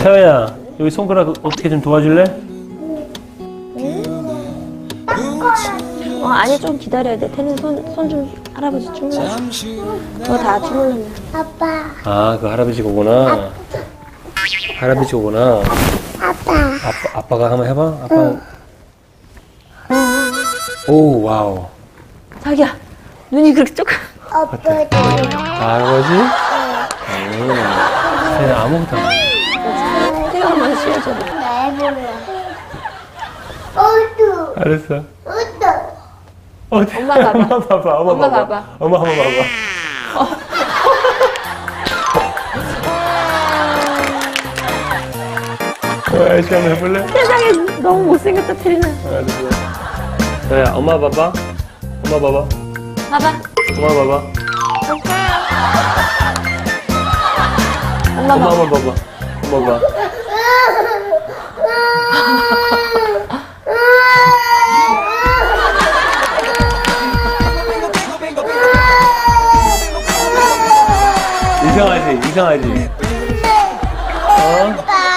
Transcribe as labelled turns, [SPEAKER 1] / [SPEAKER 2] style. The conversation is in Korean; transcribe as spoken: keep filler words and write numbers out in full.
[SPEAKER 1] 서야, 여기 손가락 어떻게 좀 도와줄래?
[SPEAKER 2] 어, 아니 좀 기다려야 돼. 태는 손, 손 좀 할아버지 주물러. 그거 다 주물러면.
[SPEAKER 3] 아빠.
[SPEAKER 1] 아, 그 할아버지 거구나. 할아버지 거구나.
[SPEAKER 3] 아빠.
[SPEAKER 1] 아빠, 아빠가 한번 해봐. 아빠. 오, 와우.
[SPEAKER 2] 자기야, 눈이 그렇게 조금.
[SPEAKER 3] 아빠.
[SPEAKER 1] 할아버지? 응. 서야 아무것도 안 해.
[SPEAKER 2] 태가만 씌워줘.
[SPEAKER 3] 나 해볼래. 어두.
[SPEAKER 1] 알았어.
[SPEAKER 3] 어두.
[SPEAKER 1] 어디?
[SPEAKER 2] 엄마 봐봐.
[SPEAKER 1] 엄마 봐봐. 엄마,
[SPEAKER 2] 엄마
[SPEAKER 1] 봐봐.
[SPEAKER 2] 봐봐.
[SPEAKER 1] 엄마 한번 봐봐. 어, 아저씨 한번 해볼래?
[SPEAKER 2] 세상에 너무 못생겼다, 태리는.
[SPEAKER 1] 알았어. 서야, 엄마 봐봐. 엄마 봐봐.
[SPEAKER 2] 봐봐.
[SPEAKER 1] 엄마 봐봐.
[SPEAKER 2] 엄마
[SPEAKER 1] 엄마
[SPEAKER 2] 봐봐.
[SPEAKER 1] 한번 봐봐. 엄마 봐. 이상하지? 이상하지? 어?